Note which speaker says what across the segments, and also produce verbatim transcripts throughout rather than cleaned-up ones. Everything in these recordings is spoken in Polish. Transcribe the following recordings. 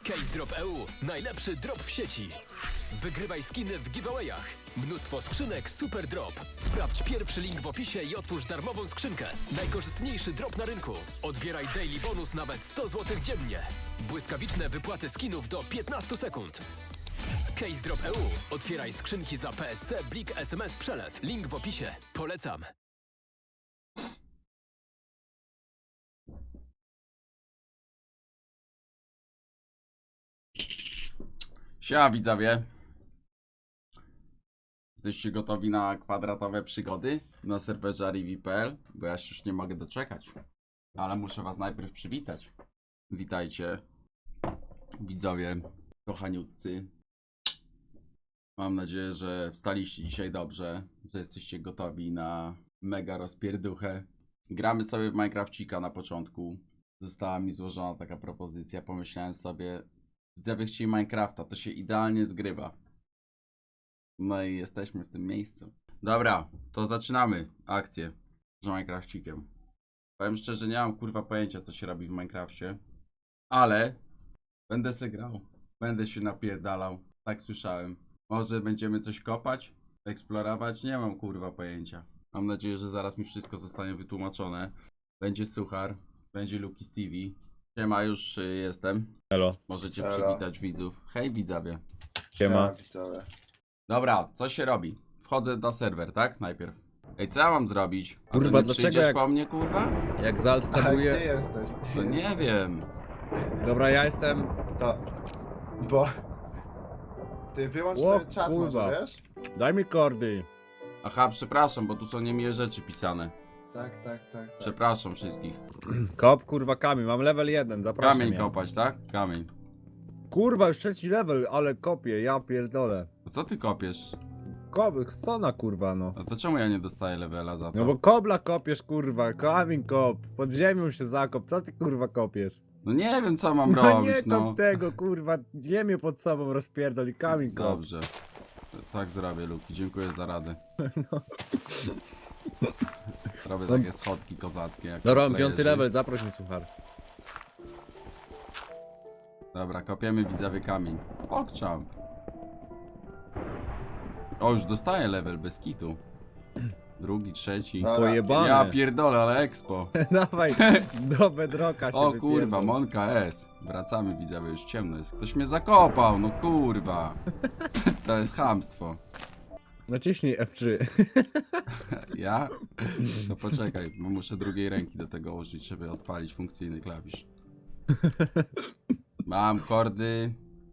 Speaker 1: CaseDrop kropka e u. Najlepszy drop w sieci. Wygrywaj skiny w giveawayach. Mnóstwo skrzynek Super Drop. Sprawdź pierwszy link w opisie i otwórz darmową skrzynkę. Najkorzystniejszy drop na rynku. Odbieraj daily bonus nawet sto złotych dziennie. Błyskawiczne wypłaty skinów do piętnastu sekund. CaseDrop kropka e u. Otwieraj skrzynki za P S C, Blik, S M S, przelew. Link w opisie. Polecam.
Speaker 2: Siema widzowie. Jesteście gotowi na kwadratowe przygody na serwerze Arivi kropka pe el? Bo ja się już nie mogę doczekać. Ale muszę was najpierw przywitać. Witajcie widzowie, kochaniutcy. Mam nadzieję, że wstaliście dzisiaj dobrze, że jesteście gotowi na mega rozpierduchę. Gramy sobie w Minecrafcika na początku. Została mi złożona taka propozycja, pomyślałem sobie, widzowie chcieli Minecrafta, to się idealnie zgrywa. No i jesteśmy w tym miejscu. Dobra, to zaczynamy akcję z Minecrafcikiem. Powiem szczerze, nie mam kurwa pojęcia, co się robi w Minecrafcie. Ale będę se grał. Będę się napierdalał. Tak słyszałem. Może będziemy coś kopać? Eksplorować? Nie mam kurwa pojęcia. Mam nadzieję, że zaraz mi wszystko zostanie wytłumaczone. Będzie Suchar. Będzie Luki z T V. Siema, już y, jestem.
Speaker 3: Elo.
Speaker 2: Możecie
Speaker 4: Halo.
Speaker 2: przywitać widzów. Hej widzowie.
Speaker 3: Siema.
Speaker 4: Widzowie.
Speaker 2: Dobra, co się robi? Wchodzę na serwer, tak? Najpierw. Ej, co ja mam zrobić? A
Speaker 3: Kurwa,
Speaker 2: to nie
Speaker 3: dlaczego
Speaker 2: przyjdziesz
Speaker 3: jak-
Speaker 2: po mnie, kurwa?
Speaker 3: Jak Zal
Speaker 4: A gdzie
Speaker 3: stabuje...
Speaker 4: jesteś?
Speaker 2: No nie wiem.
Speaker 3: Dobra, ja jestem...
Speaker 4: To... Bo... Ty wyłącz
Speaker 3: O,
Speaker 4: sobie czat
Speaker 3: kurwa.
Speaker 4: może, wiesz?
Speaker 3: Daj mi kordy.
Speaker 2: Aha, przepraszam, bo tu są niemiłe rzeczy pisane.
Speaker 4: Tak, tak, tak. tak.
Speaker 2: Przepraszam wszystkich.
Speaker 3: Kop, kurwa, kamień. Mam level jeden, zapraszam.
Speaker 2: Kamień
Speaker 3: mnie.
Speaker 2: kopać, tak? Kamień.
Speaker 3: Kurwa, już trzeci level, ale kopię, ja pierdolę.
Speaker 2: A co ty kopiesz?
Speaker 3: Kop, stona, kurwa, no.
Speaker 2: A to czemu ja nie dostaję levela za to?
Speaker 3: No bo kobla kopiesz, kurwa, kamień kop. Pod ziemią się zakop, co ty, kurwa, kopiesz?
Speaker 2: No nie wiem, co mam
Speaker 3: No
Speaker 2: robić,
Speaker 3: nie kop
Speaker 2: no.
Speaker 3: tego, kurwa, ziemię pod sobą rozpierdol i kamień kop.
Speaker 2: Dobrze. Tak zrobię, Luki. Dziękuję za radę.
Speaker 3: No.
Speaker 2: Robię
Speaker 3: No.
Speaker 2: takie schodki kozackie. Jak
Speaker 3: Dobra, mam
Speaker 2: playerzy.
Speaker 3: piąty level, zaproś mnie, suchar.
Speaker 2: Dobra, kopiemy widzowie kamień. Pogchamp. O, już dostaję level bez kitu. Drugi, trzeci.
Speaker 4: Dobra.
Speaker 3: Pojebane.
Speaker 2: Ja pierdolę, ale expo.
Speaker 3: Dawaj, do bedroka się
Speaker 2: O kurwa,
Speaker 3: wypierdol.
Speaker 2: Monka S. Wracamy widzowie, już ciemno jest. Ktoś mnie zakopał, no kurwa. To jest chamstwo.
Speaker 3: Naciśnij F trzy.
Speaker 2: Ja? No poczekaj, bo muszę drugiej ręki do tego użyć, żeby odpalić funkcyjny klawisz. Mam kordy.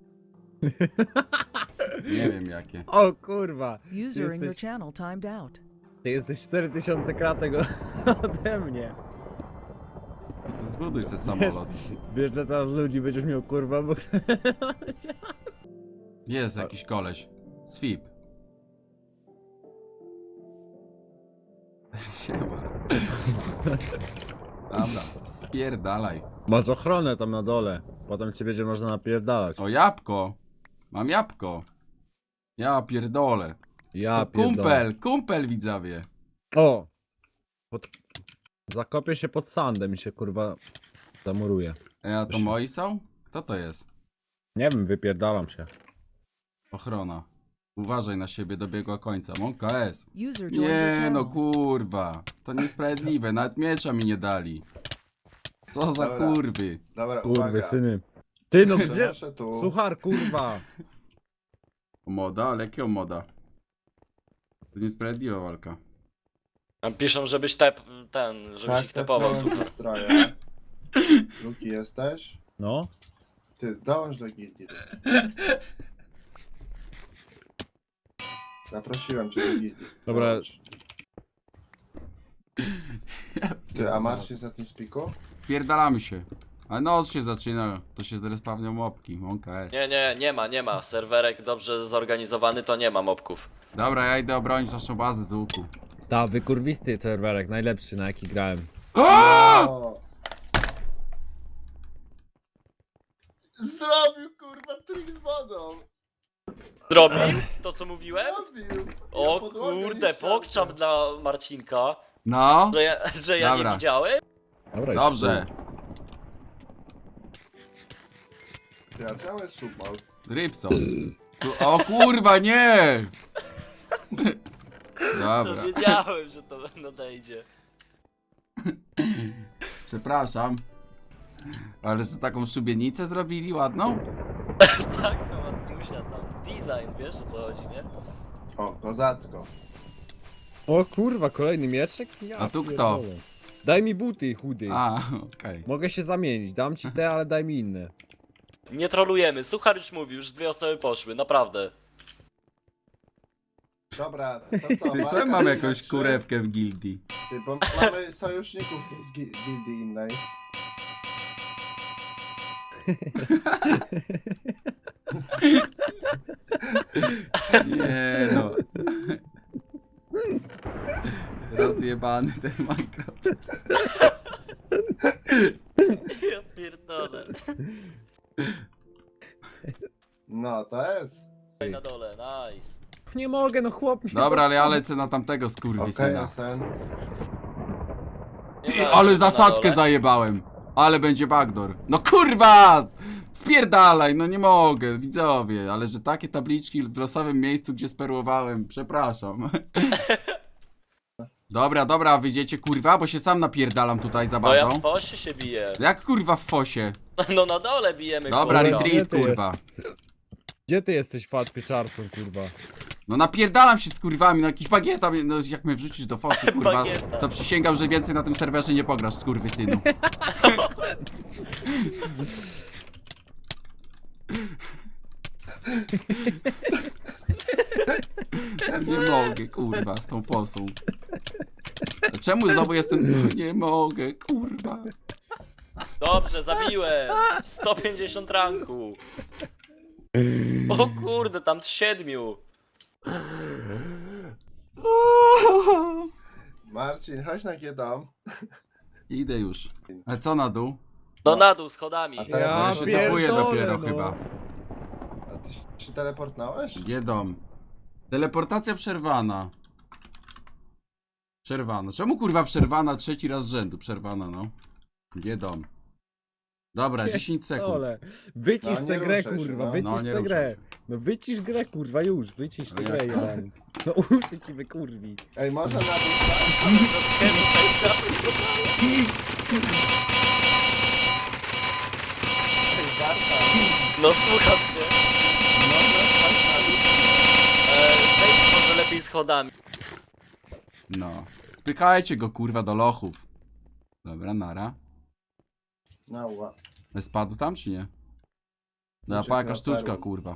Speaker 2: Nie wiem jakie.
Speaker 3: O kurwa.
Speaker 5: User in your
Speaker 3: jesteś-
Speaker 5: channel timed out.
Speaker 3: Ty jesteś cztery tysiące kratek ode mnie.
Speaker 2: To zbuduj sobie samolot.
Speaker 3: Wiesz, że teraz ludzi będziesz miał kurwa, bo...
Speaker 2: Jest jakiś koleś. Swip. Siema. Dobra, spierdalaj.
Speaker 3: Masz ochronę tam na dole. Potem cię będzie można napierdalać.
Speaker 2: O, jabłko. Mam jabłko. Ja pierdolę.
Speaker 3: Ja
Speaker 2: To
Speaker 3: pierdolę.
Speaker 2: kumpel, kumpel widzowie.
Speaker 3: O! Pod... Zakopię się pod sandem i się kurwa zamuruje.
Speaker 2: Ej, a to moi są? Kto to jest?
Speaker 3: Nie wiem, wypierdalam się.
Speaker 2: Ochrona. Uważaj na siebie, dobiegła końca. Monka S.
Speaker 5: User joined your
Speaker 2: Nie
Speaker 5: channel.
Speaker 2: no kurwa. To niesprawiedliwe, nawet miecza mi nie dali. Co za
Speaker 4: Dobra.
Speaker 2: kurwy.
Speaker 4: Dobra,
Speaker 3: Kurwy
Speaker 4: uwaga.
Speaker 3: syny. Ty no gdzie?
Speaker 4: Przenoszę tu.
Speaker 3: Suchar kurwa.
Speaker 2: Moda? Ale jakiego moda? To niesprawiedliwa walka.
Speaker 6: Tam piszą, żebyś tep, ten, żebyś
Speaker 4: Tak,
Speaker 6: ich tepował,
Speaker 4: tepnąłem
Speaker 6: super.
Speaker 4: w stroje. Luki jesteś?
Speaker 3: No.
Speaker 4: Ty, dołącz do gildii. Zaprosiłem cię do gildii.
Speaker 3: Dobra.
Speaker 4: Dołącz. Ty, a Marcin jest na tym spiku?
Speaker 2: Pierdalamy się. A noc się zaczyna, to się zrespawnią mopki. Monka S.
Speaker 6: Nie, nie, nie ma, nie ma. Serwerek dobrze zorganizowany, to nie ma mobków.
Speaker 2: Dobra, ja idę obronić naszą bazę z łuku.
Speaker 3: Ta wykurwisty serwerek, najlepszy na jaki grałem.
Speaker 4: O! Zrobił kurwa trik z wodą!
Speaker 6: Zrobił to, co mówiłem?
Speaker 4: Zrobił!
Speaker 6: O
Speaker 4: Ja podłogę
Speaker 6: kurde,
Speaker 4: nie ściągnę.
Speaker 6: pokczam dla Marcinka,
Speaker 2: No,
Speaker 6: że ja, że ja
Speaker 2: Dobra.
Speaker 6: nie widziałem.
Speaker 3: Dobra,
Speaker 2: dobrze.
Speaker 4: Ty, a czemu jest submalt?
Speaker 2: Rybson. Tu- O kurwa, nie!
Speaker 6: No
Speaker 2: Dobra,
Speaker 6: wiedziałem, że to nadejdzie.
Speaker 2: przepraszam. Ale że taką szubienicę zrobili ładną?
Speaker 6: Tak, no ładniusia tam. Design, wiesz o co chodzi, nie?
Speaker 4: O, kozacko.
Speaker 3: O kurwa, kolejny mieczek? Ja
Speaker 2: A tu kto?
Speaker 3: pierdolę. Daj mi buty, chudy.
Speaker 2: A, okej.
Speaker 3: Mogę się zamienić, dam ci te, ale daj mi inne.
Speaker 6: Nie trolujemy, Suchar już mówił, już dwie osoby poszły, naprawdę.
Speaker 4: Dobra, to co?
Speaker 2: Ty co,
Speaker 4: walka
Speaker 2: mam
Speaker 4: na
Speaker 2: jakąś
Speaker 4: trzy?
Speaker 2: kurewkę w gildii?
Speaker 4: Ty, bo mamy sojuszników z gi- gildii innej.
Speaker 2: Nie no. Rozjebany ten Minecraft.
Speaker 6: Ja pierdolę.
Speaker 4: No, to jest.
Speaker 6: Tutaj na dole, nice.
Speaker 3: Nie mogę, no chłop mi...
Speaker 2: Dobra, ale ja lecę na tamtego
Speaker 4: Okej,
Speaker 2: skurwysyna.
Speaker 4: Osen.
Speaker 6: Nie
Speaker 2: Ty,
Speaker 6: ma
Speaker 2: ale
Speaker 6: na
Speaker 2: zasadzkę
Speaker 6: dole.
Speaker 2: zajebałem. Ale będzie backdoor. No kurwa! Spierdalaj, no nie mogę, widzowie. Ale że takie tabliczki w losowym miejscu, gdzie sperłowałem, przepraszam. Dobra, dobra, wyjdziecie kurwa, bo się sam napierdalam tutaj za
Speaker 6: No ja
Speaker 2: bazą.
Speaker 6: w fosie się biję.
Speaker 2: Jak kurwa w fosie?
Speaker 6: No na dole bijemy,
Speaker 2: Dobra,
Speaker 6: kurwa.
Speaker 2: retreat
Speaker 3: Gdzie ty
Speaker 2: kurwa.
Speaker 3: Gdzie ty jesteś, fat pieczarson, kurwa?
Speaker 2: No napierdalam się z kurwami, no jakiś bagieta, mnie- no jak mnie wrzucisz do fosy, kurwa,
Speaker 6: Bagieta.
Speaker 2: to przysięgam, że więcej na tym serwerze nie pograsz, skurwysynu. Nie mogę, kurwa, z tą fosą. A czemu znowu jestem... Nie mogę, kurwa.
Speaker 6: Dobrze, zabiłem. sto pięćdziesiąt ranku. O kurde, tam siedmiu.
Speaker 4: Marcin, chodź na G-dom.
Speaker 2: Idę już. A co na dół?
Speaker 6: No na dół schodami.
Speaker 4: A
Speaker 2: Ja,
Speaker 4: teraz
Speaker 2: się
Speaker 3: pierdolę,
Speaker 2: tapuję dopiero
Speaker 3: no.
Speaker 2: chyba.
Speaker 4: A ty się teleportnąłeś?
Speaker 2: Jedom. Teleportacja przerwana. Przerwana. Czemu kurwa przerwana? Trzeci raz z rzędu przerwana, no. Jedom. Dobra, dziesięć sekund.
Speaker 3: Ole, wycisz
Speaker 4: No,
Speaker 3: tę
Speaker 4: nie
Speaker 3: grę,
Speaker 4: ruszaj się,
Speaker 3: kurwa,
Speaker 4: no.
Speaker 3: wycisz
Speaker 2: No, nie
Speaker 3: tę
Speaker 2: ruszaj
Speaker 3: grę.
Speaker 2: się.
Speaker 3: No wycisz grę, kurwa, już, wycisz tę
Speaker 2: No
Speaker 3: grę,
Speaker 2: jak?
Speaker 3: Jan. No uszy ci wykurwi.
Speaker 4: Ej, można na dół Ej, Barta.
Speaker 6: No słucham cię. Eee, wejdź może lepiej schodami.
Speaker 2: No. Spykajcie go kurwa do lochów. Dobra, nara.
Speaker 4: No, ła.
Speaker 2: Spadł tam czy nie? No,
Speaker 4: Uciekł
Speaker 2: pa jaka
Speaker 4: na
Speaker 2: sztuczka
Speaker 4: perłę.
Speaker 2: kurwa.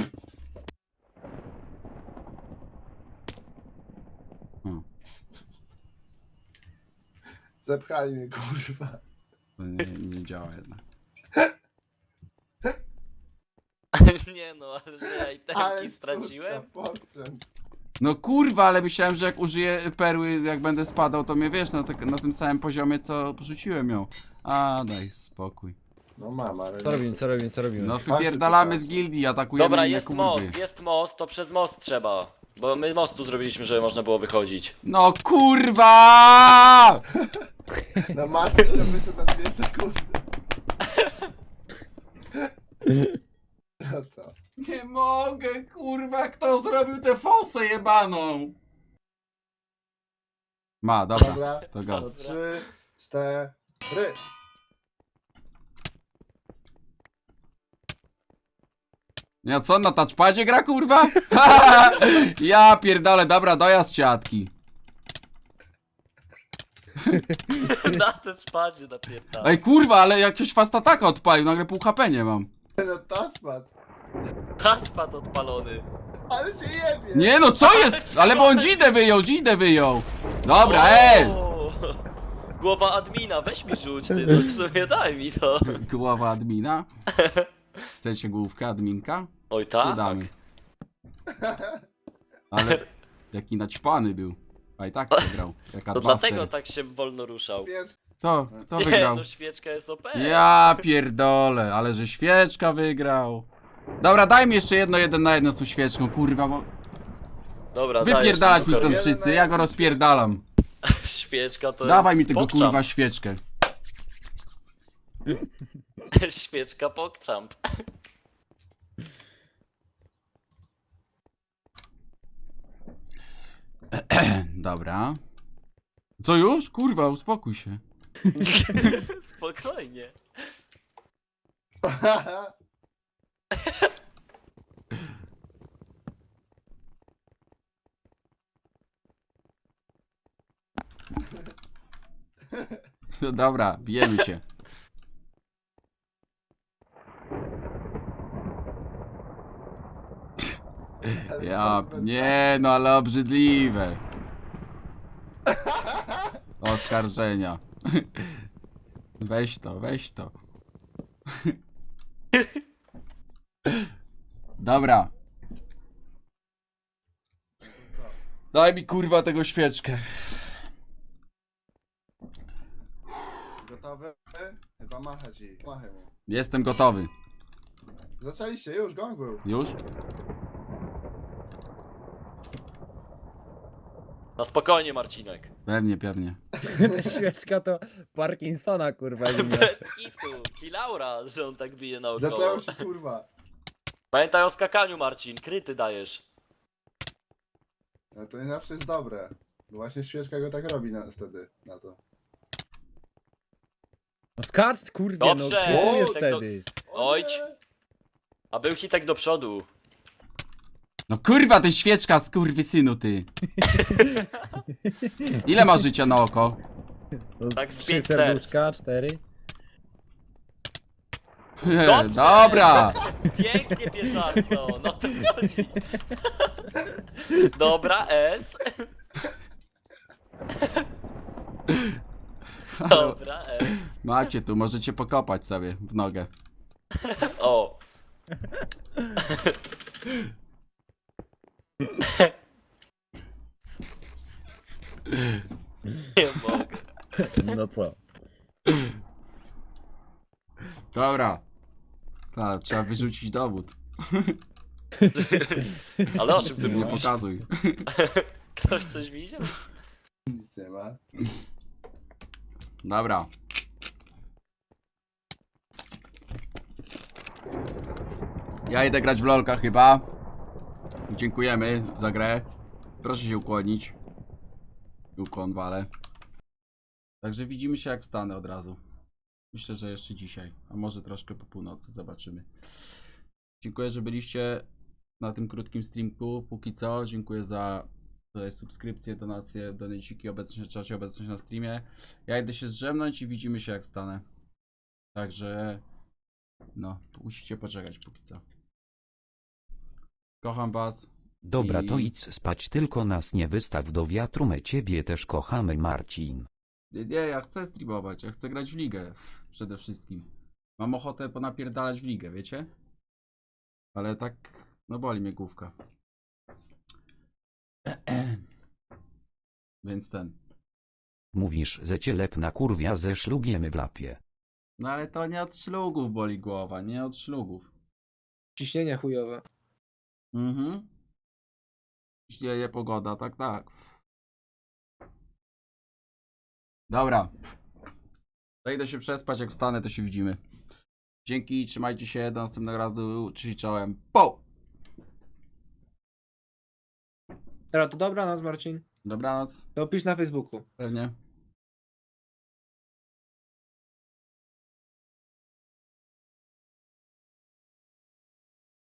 Speaker 2: O,
Speaker 4: Zepchali mnie, kurwa.
Speaker 2: to nie, nie działa jednak.
Speaker 6: Nie no, ale że ja
Speaker 4: Ale
Speaker 6: itemki straciłem.
Speaker 4: sztuczka, pokrzem.
Speaker 2: No kurwa, ale myślałem, że jak użyję perły, jak będę spadał, to mnie wiesz, na, te, na tym samym poziomie, co porzuciłem ją. A, daj spokój.
Speaker 4: No mam, ale...
Speaker 3: Co robimy, co robimy, co robimy?
Speaker 2: No wypierdalamy z gildii, atakujemy
Speaker 6: Dobra,
Speaker 2: inne
Speaker 6: jest
Speaker 2: kurwy.
Speaker 6: most, jest most, to przez most trzeba. Bo my mostu zrobiliśmy, żeby można było wychodzić.
Speaker 2: No kurwa!
Speaker 4: No Marcin to wyszedł na dwie sekundy. No co?
Speaker 2: Nie mogę, kurwa, kto zrobił tę fosę jebaną? Ma, dobra,
Speaker 4: Dobra,
Speaker 2: to go.
Speaker 4: to trzy, cztery.
Speaker 2: Ja co, na touchpadzie gra, kurwa? Ja pierdolę, dobra, dojazd ciatki.
Speaker 6: Na te spadzie napierdala.
Speaker 2: Ej, kurwa, ale jakiś fast ataka odpalił, nagle pół H P nie mam.
Speaker 4: No touchpad.
Speaker 6: Touchpad odpalony.
Speaker 4: Ale się jebie.
Speaker 2: Nie no, co jest? Ale bo on dzidę wyjął, dzidę wyjął. Dobra,
Speaker 6: O!
Speaker 2: jest!
Speaker 6: Głowa admina, weź mi rzuć ty, no w sumie daj mi to.
Speaker 2: Głowa admina. Chcecie główkę adminka?
Speaker 6: Oj
Speaker 2: Tu
Speaker 6: tak?
Speaker 2: damy. Ale jaki naćpany był. A i tak przegrał. Jak
Speaker 6: To dlatego
Speaker 2: Adbuster.
Speaker 6: tak się wolno ruszał.
Speaker 4: Wiesz,
Speaker 2: Kto? Kto
Speaker 6: Nie,
Speaker 2: wygrał?
Speaker 6: no świeczka jest O P.
Speaker 2: Ja pierdolę, ale że świeczka wygrał. Dobra, daj mi jeszcze jedno, jeden na jedno z tą świeczką, kurwa, bo...
Speaker 6: Dobra,
Speaker 2: Wypierdalać mi
Speaker 6: dajesz,
Speaker 2: stąd
Speaker 4: Jeden
Speaker 2: wszyscy,
Speaker 4: na
Speaker 2: ja go
Speaker 4: jedno
Speaker 2: rozpierdalam.
Speaker 6: Świeczka to
Speaker 2: Dawaj
Speaker 6: jest
Speaker 2: mi tego
Speaker 6: pokczamp.
Speaker 2: kurwa świeczkę.
Speaker 6: Świeczka pokczamp.
Speaker 2: Dobra. Co już? Kurwa, uspokój się.
Speaker 6: Spokojnie.
Speaker 2: No dobra, bijemy się. Ja, nie no, ale obrzydliwe. Oskarżenia. Weź to, weź to. Dobra. Daj mi kurwa tego świeczkę.
Speaker 4: Gotowe? Chyba machać i machaj mu.
Speaker 2: Jestem gotowy.
Speaker 4: Zaczęliście, już, gong był.
Speaker 2: Już?
Speaker 6: Na spokojnie, Marcinek.
Speaker 2: Pewnie, pewnie.
Speaker 3: Ta świeczka to Parkinsona, kurwa. nie miał.
Speaker 6: Bez kitu. Kilaura, że on tak bije naokoło.
Speaker 4: Zaczęło się, kurwa.
Speaker 6: Pamiętaj o skakaniu, Marcin. Kryty dajesz.
Speaker 4: No to nie zawsze jest dobre. No właśnie świeczka go tak robi na, wtedy, na to.
Speaker 3: No skacz, kurwie,
Speaker 6: Dobrze.
Speaker 3: no krytujesz
Speaker 6: O, tak to-
Speaker 3: wtedy.
Speaker 6: Oj,
Speaker 4: nie!
Speaker 6: A był hitek do przodu.
Speaker 2: No kurwa, ty świeczka, skurwysynu, ty. Ile ma życia na oko?
Speaker 3: No,
Speaker 6: Tak z
Speaker 3: trzy
Speaker 6: pięć
Speaker 3: serduszka, cztery.
Speaker 6: Dobrze.
Speaker 2: Dobra.
Speaker 6: Pięknie, pieczarco. No to chodzi. Dobra, S. Dobra, S.
Speaker 2: Macie tu, możecie pokopać sobie w nogę.
Speaker 6: O. Nie mogę.
Speaker 3: No co?
Speaker 2: Dobra. Ta, trzeba wyrzucić dowód.
Speaker 6: Ale o czym ty
Speaker 2: Nie
Speaker 6: mówisz?
Speaker 2: pokazuj.
Speaker 6: Ktoś coś widział?
Speaker 4: Nic nie ma.
Speaker 2: Dobra. Ja idę grać w lolka chyba. Dziękujemy za grę. Proszę się ukłonić. Ukłon wale. Także widzimy się jak wstanę od razu. Myślę, że jeszcze dzisiaj. A może troszkę po północy. Zobaczymy. Dziękuję, że byliście na tym krótkim streamku. Póki co. Dziękuję za tutaj subskrypcje, donacje, donaciki, obecność na czacie, obecność na streamie. Ja idę się zdrzemnąć i widzimy się jak wstanę. Także no, musicie poczekać póki co. Kocham was.
Speaker 5: Dobra, to
Speaker 2: I-
Speaker 5: idź spać, tylko nas nie wystaw do wiatru, my ciebie też kochamy, Marcin.
Speaker 2: Nie, nie, ja chcę streamować, ja chcę grać w ligę przede wszystkim. Mam ochotę ponapierdalać w ligę, wiecie? Ale tak, no boli mnie główka. Więc ten.
Speaker 5: Mówisz, że cię lepna kurwia ze szlugiem w lapie.
Speaker 2: No ale to nie od szlugów boli głowa, nie od szlugów.
Speaker 7: Ciśnienie chujowe.
Speaker 2: Mhm. Śnieje pogoda, tak, tak. Dobra. To idę się przespać, jak wstanę, to się widzimy. Dzięki, trzymajcie się, do następnego razu, cześć, czołem. Po!
Speaker 7: Dobra, to dobranoc, Marcin.
Speaker 2: Dobranoc,
Speaker 7: To pisz na Facebooku.
Speaker 2: pewnie.